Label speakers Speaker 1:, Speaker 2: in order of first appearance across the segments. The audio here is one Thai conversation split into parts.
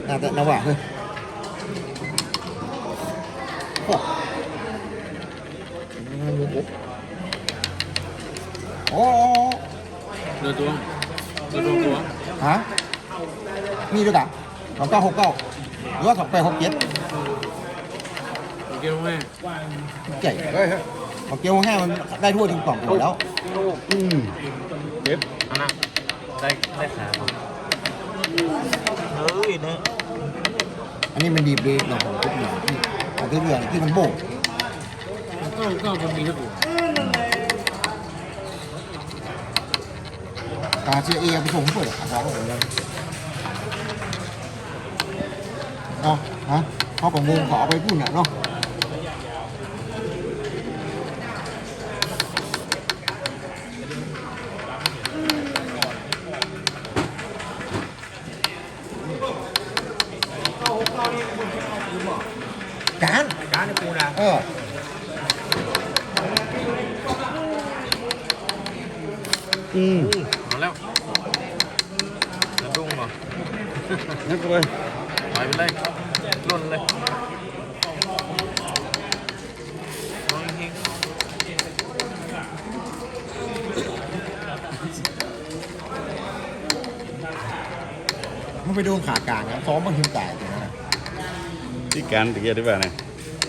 Speaker 1: น่าจะระหว่างเฮ้ยโอ้โอ้
Speaker 2: เดือตัว
Speaker 1: ฮะมีด้วยกัน2969หรือว่า2867
Speaker 2: เกี่ยวแม่
Speaker 1: ใหญ่เลยฮะของเกี๊ยวแห้งมันได้ทั่วถึงกล่องอยู่แล้ว
Speaker 2: เจ็บอันนั้นได้ขาเฮ้ยเนี่ย
Speaker 1: อันนี้มันดีบดีหน่อยของทุกอย่างที่ของทุกอย่างที่มันโบก
Speaker 2: ก็มันมีทุกอย่าง
Speaker 1: ตาเชียเอไปส่งเปิดขายของผมเลยอ๋อฮะเขาของงงขอไปพูดเนี่ยเนาะการในปูนะ
Speaker 2: มาแล้วจะดุ้งป่ะ
Speaker 1: นั่นก็เลย
Speaker 2: ไปเลยล้นเลยน้องเฮง
Speaker 1: มันไปโดนขากลางนะซ้อมบางทีตายตรงนั้น
Speaker 3: ที่การตะเกียบได้ป่ะเนี่ย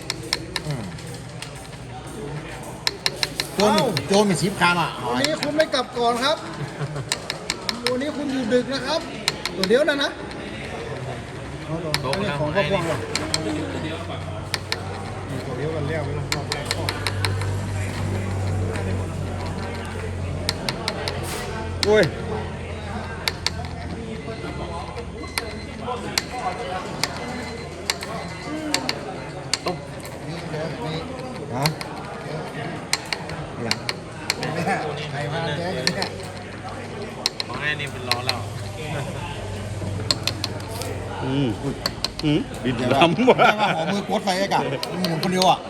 Speaker 1: โจนมีชิปคามอ่ะ
Speaker 4: วันนี้คุณไม่กลับก่อนครับวันนี้คุณอยู่ดึกนะครับตัวเดียวนะ
Speaker 2: ตัวนี้
Speaker 4: ของพ่อพวงหรอตัวเดียวกันแล้วไม่ต้องรอบแรกข้อ
Speaker 3: โอ้ย
Speaker 1: ฮะอย่าง
Speaker 4: ไข่มาแจ๊กเนี่ย
Speaker 2: ของแม่นี่เป็นล้อแล้ว
Speaker 3: บิด
Speaker 1: เดี๋ยว
Speaker 3: ล้ำว่ะ
Speaker 1: ว่าหอมือกดไฟไอ้กะหมุนคนเดียวอ่ะ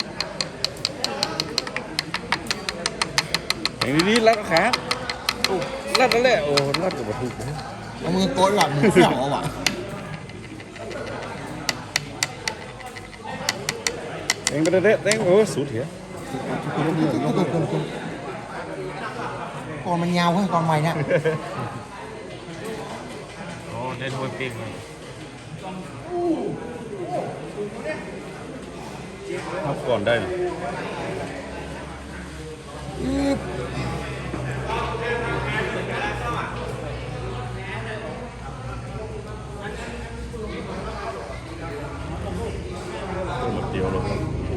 Speaker 3: อย่างนี้รัดขารัดนั่นแหละโอ้รัดกับวัตถุ
Speaker 1: เอามือกดแบบมือเสี่ยวเอาว่ะ
Speaker 3: เองไปเด็ดเองโอ้สุดเหี้ย
Speaker 1: ก่อนมันยาวเฮ้ยก่อนใหม่เนี่ย
Speaker 2: โอ้ได้ถ้วยปิ้งเลย
Speaker 3: ทับก่อนได้นะหมดเดียวเลย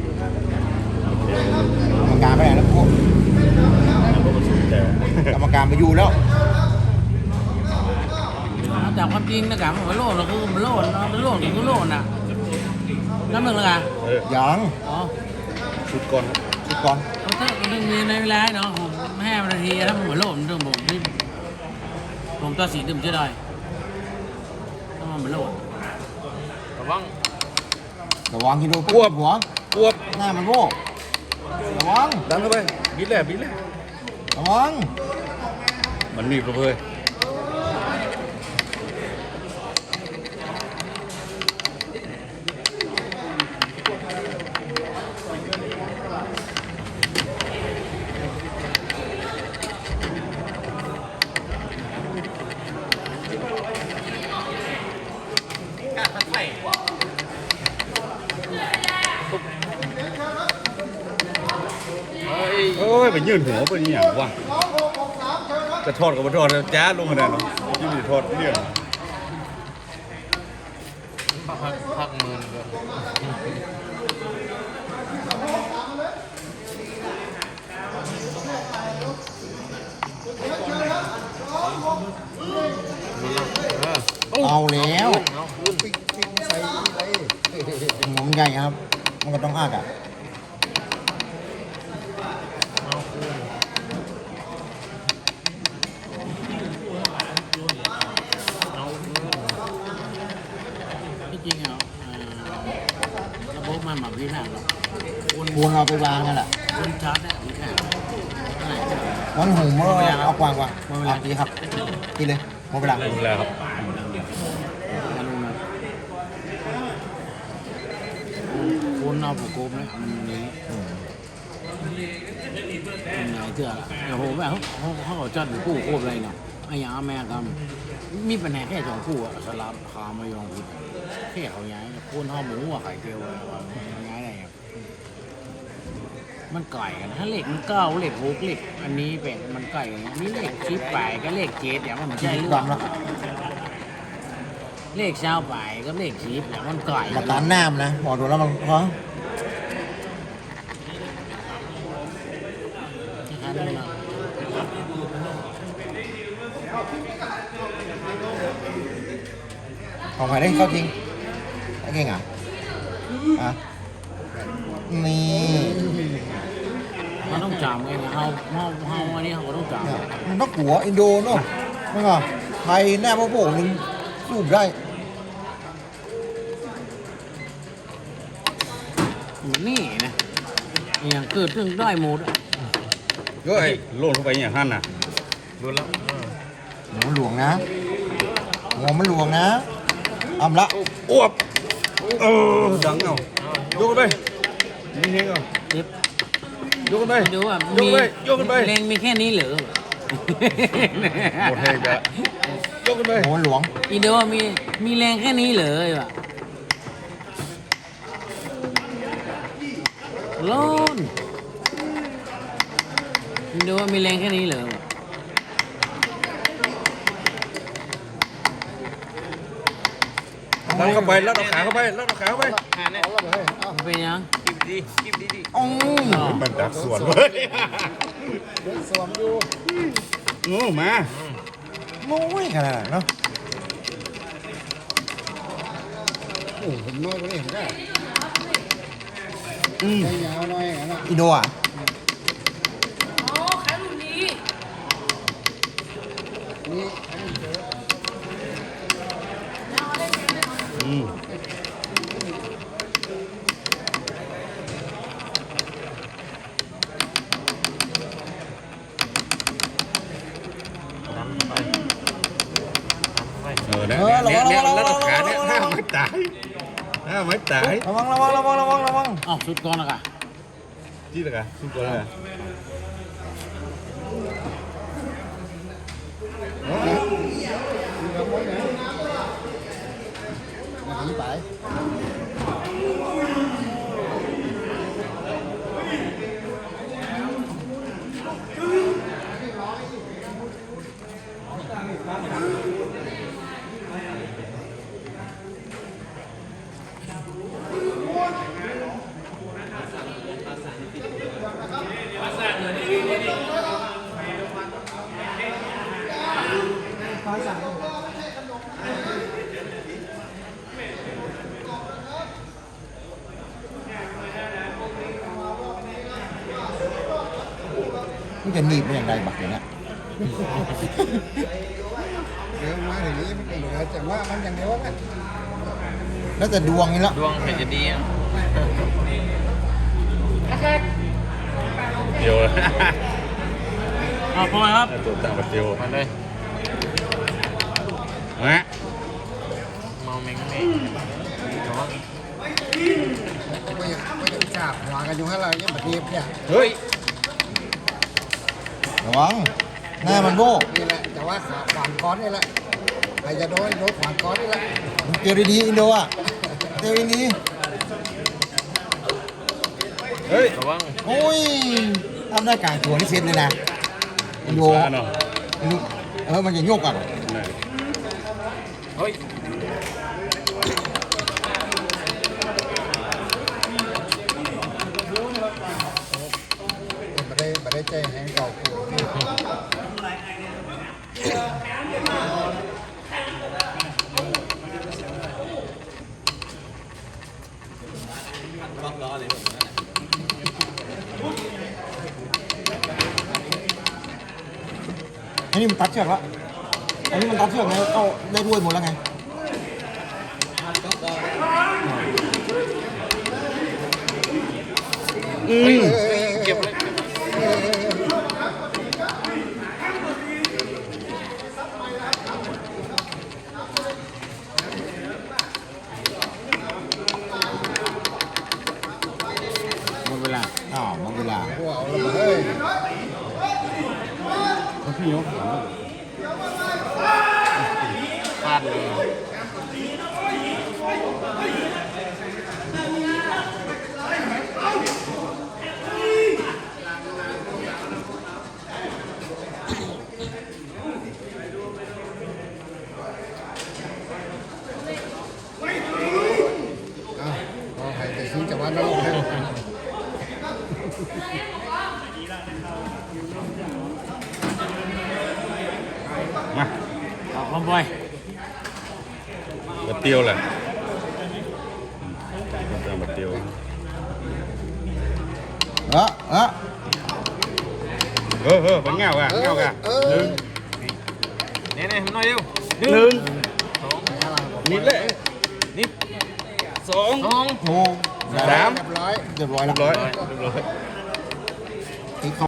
Speaker 1: กรรมการไปไหนแล้วพวกกรรมการไปอยู่แล้ว
Speaker 2: จากความจริงนะกับมันโลดเราคือมันโลดมันโลดคือโลดน่ะน้ำหนึ่งเลยกัน
Speaker 1: ยัง
Speaker 2: อ๋อ
Speaker 3: ชุดก่อน
Speaker 2: เขาต้องมีในเวลาเนาะผมแม่นาทีถ้าผมโลดเรื่องผมที่ผมตัวสีดื่มจะได้ต้องมันโลดระ
Speaker 1: วังกินดูกวบหัวหน้ามันโบกระวัง
Speaker 3: ดันเข้าไปบิดแหละ
Speaker 1: ระวัง
Speaker 3: มันมีประเพยโอ้ยไปยื่นหัวไปนี่อย่างวะจะทอดกับไม่ทอดจ้าลงมาได้เนาะยิ่งจะทอดเรื่อง
Speaker 2: พักมือเลย
Speaker 1: เอาแล้วมันใหญ่ครับมันก็ต้องอ้ากอ่ะ
Speaker 2: จริงเหรอระบบมันแบบนี้แหละ
Speaker 1: ควรเอาไปวางกันแหละ
Speaker 2: คนชาร์จเนี่ยมีแค่
Speaker 1: วันหูเมื่อเอากวางกว่าดีครับกินเลยหมดเวลา
Speaker 3: ครับ
Speaker 2: เอาผูกโกมเลยมันนี้มันไหนเถื่อละเดี๋ยวผมแบบเขาจัดหรือกู้โกมอะไรเนาะไอ้ยาแม่กำมีปัญหาแค่สองคู่อะสลับคามายองผิดแค่เขาย้ายโคนห่อหมูอะไข่เจียวย้ายอะไรครับมันไก่กันถ้าเหล็กมันเก้าเหล็กหกเหล็กอันนี้เป็นมันไก่กันนี่เหล็กชิปไปก็เหล็กเจ็ดอย่างมันใช่เรื่องเลขเช้าไปก็เลขชีพอย่างมันไก่
Speaker 1: กับร้านน้ำนะหมอดูแล้วมันเพราะของใครได้เข้าจริงไอ้เก่งอ่ะนี่
Speaker 2: มันต้องจำไงนะเฮาอันนี้เขาก็ต้องจ
Speaker 1: เนี่ยมันต้องหัวอินโดเนาะไม่ก็ไทยแน่พ่อโป่งนึงสู้ได้
Speaker 2: ำนี่นะอย่างเกิดเรื่องได้หมด
Speaker 3: เฮ้ยโลดเข้าไปอย่างนั้นน่ะ
Speaker 1: หัวมันหลวงนะหัวมันหลวงนะอำละ
Speaker 3: อ้วบดังเอายกกันไปมีเฮงเอา
Speaker 2: เจ็บ
Speaker 3: ยกกันไป
Speaker 2: ไปดูว่า
Speaker 3: ยกกันไปยกกันไป
Speaker 2: แรงมีแค่นี้เหรอ
Speaker 3: หมดเฮงจะยกกันไป
Speaker 1: หัวมันหลวง
Speaker 2: อีโดมีแรงแค่นี้เหรอวะโลนอีโดมีแรงแค่นี้เหรอวะ
Speaker 3: ดันเข้าไปแล้วเอาขาเข้าไปแล้วเอาขาเข้าไป
Speaker 4: เอาแล้วเฮ้ยเอา
Speaker 2: มันเป็นยัง
Speaker 1: อ๋อ
Speaker 2: อ๋อ
Speaker 3: มันดักสวนเว้ย
Speaker 4: เดินสวมอยู่
Speaker 3: งูมา
Speaker 1: โอ้ยขนาดนั้นเนาะ
Speaker 4: โอ้ผมน้อยกว่านี้ผมได้ใจยาวหน่อยนะ
Speaker 1: อินโดอ่ะ
Speaker 4: นี่
Speaker 3: อืม
Speaker 1: ระ
Speaker 3: เนี่ย
Speaker 1: วัง
Speaker 3: เนี่ย
Speaker 1: ระวัง
Speaker 3: แล้ว
Speaker 1: ระวั
Speaker 3: เอา
Speaker 1: ง
Speaker 3: ขา
Speaker 1: ระ
Speaker 3: เนี่ย
Speaker 1: วัง
Speaker 3: ห้า
Speaker 1: ระวัง
Speaker 3: ไม่ตายห้าไม่ตาย
Speaker 1: ระวังระวังระวังระวังระวัง
Speaker 2: อ้าวสุดก่อนนะกะ
Speaker 3: ที่ละกันทุกคนเลย
Speaker 4: มาถีไป
Speaker 1: มันจะหนีบเป็นอย่างไรบักอย่างเนี้ย
Speaker 4: เดี๋ยวมาอย่างนี้มันเหลือแต่ว่ามันอย่างเดียวนะ
Speaker 1: แล้วแต่ดวงนี่ละ
Speaker 2: ดวงเป็นจะดีอ่ะ
Speaker 3: เดียวเลย
Speaker 2: เอาพอครับ
Speaker 3: ตัวต่างประเทศ
Speaker 2: มาเลย
Speaker 3: มา
Speaker 2: เมาเม้งเม้
Speaker 4: ไม่ต้องจับหัวกันอยู่ให้เราเนี่ยแบบนี้เนี่ย
Speaker 3: เฮ้ย
Speaker 1: ระวังหน้ามันโบก
Speaker 4: นี่แหละแต่ว่าขาขวางก้อนนี่แหละใครจะโดนขวางก้อนนี่แหละ
Speaker 1: มันเตียวดีๆอินโดอ่ะเตียวดี
Speaker 3: เฮ้ย
Speaker 1: ๆโอ้ยทำได้กลางตัวนี่เซฟเลยนะอินโด
Speaker 3: ช้าเนาะ
Speaker 1: อินโดมันจะโยกอ่ะ
Speaker 2: เฮ้ย
Speaker 4: ไม่ได้ใจแห้งเก่ากู
Speaker 1: อันนี้มันตัดเชือกแล้วอันนี้มันตัดเชือกไงเข้าได้ด้วยหมดแล้วไง
Speaker 2: เก็บเลย
Speaker 3: พี่ยก
Speaker 2: พลาดเลย
Speaker 4: ขอให้แต่ซื้อจากวันนั้นลงให้
Speaker 3: มา
Speaker 2: เอาคอมบอย
Speaker 3: บัดเตียวแหละตามบัดเตียว
Speaker 1: เออเออ
Speaker 3: เป็นเงาอ่ะเงาอ่ะ
Speaker 4: หนึ่ง
Speaker 2: เนี่ยมันน้อยเดียว
Speaker 3: หนึ่งนิดเลยนิดสอง
Speaker 2: สอง
Speaker 1: โอ้
Speaker 3: สาม
Speaker 4: เรียบร้อย
Speaker 1: เรียบร้อย
Speaker 3: เรี
Speaker 1: แล้
Speaker 3: ยว บร้อย
Speaker 1: ที่เขา